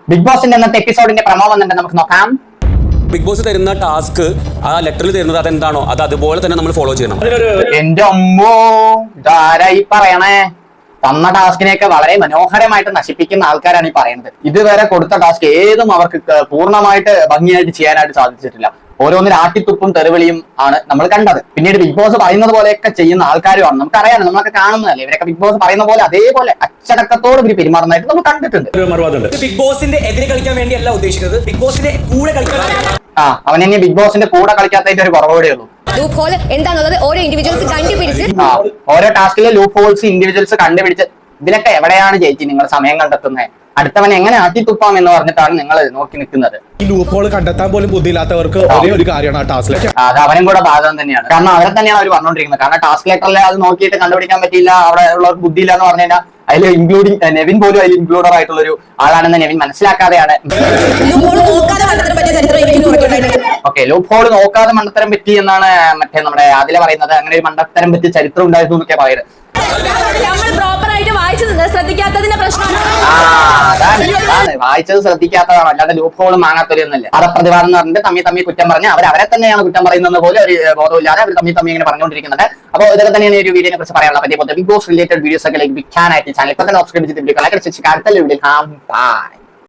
Big ബോസിന്റെ ഇന്നത്തെ എപ്പിസോഡിന്റെ promo വന്നിട്ട് നമുക്ക് നോക്കാം. ബിഗ് ബോസ് തരുന്ന ടാസ്ക് ആ ലെറ്ററിൽ തരുന്നത് അതെന്താണോ അത് അതുപോലെ തന്നെ നമ്മൾ ഫോളോ ചെയ്യണം. എന്റെ അമ്മോ, ഇതാരായി പറയണേ? തന്ന ടാസ്കിനെയൊക്കെ വളരെ മനോഹരമായിട്ട് നശിപ്പിക്കുന്ന ആൾക്കാരാണ് ഈ പറയുന്നത്. ഇതുവരെ കൊടുത്ത ടാസ്ക് ഏതും അവർക്ക് പൂർണ്ണമായിട്ട് ഭംഗിയായിട്ട് ചെയ്യാനായിട്ട് സാധിച്ചിട്ടില്ല. ഓരോന്നിനും ആട്ടിത്തുപ്പും തെറിവിളിയും ആണ് നമ്മൾ കണ്ടത്. പിന്നീട് ബിഗ് ബോസ് പറയുന്നത് പോലെയൊക്കെ ചെയ്യുന്ന ആൾക്കാരുമാണ്. നമുക്കറിയാം, നമ്മളൊക്കെ കാണുന്നതല്ലേ. ഇവരൊക്കെ ബിഗ് ബോസ് പറയുന്ന പോലെ അതേപോലെ അച്ചടക്കത്തോട് ഇവർ പെരുമാറുന്നതായിട്ട് നമ്മൾ കണ്ടിട്ടുണ്ട്. ബിഗ് ബോസിന്റെ എതിരെ കളിക്കാൻ വേണ്ടിയല്ല ഉദ്ദേശിക്കുന്നത്, ബിഗ് ബോസിന്റെ കൂടെ കളിക്കാൻ. അവൻ ഇനി ബിഗ് ബോസിന്റെ കൂടെ കളിക്കാത്തതിന്റെ ഒരു കുറവുകൂടെ ഉള്ളൂ. ഓരോ ഇൻഡിവിജ്വൽസ് കണ്ടുപിടിച്ച് ഓരോ ടാസ്കിലെ ലൂപ്പ് ഹോൾസ് ഇൻഡിവിജ്വൽസ് കണ്ടുപിടിച്ച് ഇതിലൊക്കെ എവിടെയാണ് ചേച്ചി നിങ്ങൾ സമയം കണ്ടെത്തുന്നത്? അടുത്തവൻ എങ്ങനെ ആട്ടിത്തുപ്പാം എന്ന് പറഞ്ഞിട്ടാണ് നിങ്ങൾ നോക്കി നിൽക്കുന്നത്. ഈ ലൂപ്പ് ഹോൾ കണ്ടെത്താൻ പോലും ബുദ്ധിയില്ലാത്തവർക്ക് ഒരേ ഒരു കാര്യമാണ് ആ ടാസ്കിലേക്ക്. അത് അവനും കൂടെ ബാധകം തന്നെയാണ്. കാരണം അവരെ തന്നെയാണ് അവർ പറഞ്ഞുകൊണ്ടിരിക്കുന്നത്. കാരണം ടാസ്ക് ലെറ്ററിൽ അത് നോക്കിയിട്ട് കണ്ടുപിടിക്കാൻ പറ്റിയില്ല, അവിടെ ഉള്ളവർക്ക് ബുദ്ധിയില്ല എന്ന് പറഞ്ഞു കഴിഞ്ഞാൽ അതിൽ ഇൻക്ലൂഡിങ് നെവിൻ പോലും അതിൽ ഇൻക്ലൂഡർ ആയിട്ടുള്ള ഒരു ആളാണെന്ന് നെവിൻ മനസ്സിലാക്കാതെയാണ്. ഓക്കെ, ലൂപ്പ് ഹോൾ നോക്കാതെ മണ്ടത്തരം പറ്റി എന്നാണ് മറ്റേ നമ്മുടെ അതിലെ പറയുന്നത്. അങ്ങനെ ഒരു മണ്ടത്തരം പറ്റി ചരിത്രം ഉണ്ടായിരുന്നു എന്നൊക്കെ പറയുന്നത്. വായിച്ചത് ശ്രദ്ധിക്കാത്തതാണോ, അല്ലാതെ ലൂപ്പ് ഹോൾ മാങ്ങാത്തൊരു പദപ്രതിവാദം എന്ന് പറഞ്ഞിട്ട് തമ്മി കുറ്റം പറഞ്ഞ് അവരെ തന്നെയാണ് കുറ്റം പറയുന്നത് പോലെ ഒരു ബോധമില്ലാതെ അവർ തമ്മി ഇങ്ങനെ പറഞ്ഞുകൊണ്ടിരിക്കുന്നത്. അപ്പോൾ ഇതൊക്കെ തന്നെയാണ് ഒരു വീഡിയോനെ കുറിച്ച് പറയാനുള്ള പറ്റിയ ബിഗ് ബോസ് റിലേറ്റഡ് വീഡിയോസ് ഒക്കെ ലഭിക്കാനായിട്ട് ചാനൽ ഇപ്പൊ തന്നെ സബ്സ്ക്രൈബ് ചെയ്തിട്ട് അടുത്ത വീഡിയോ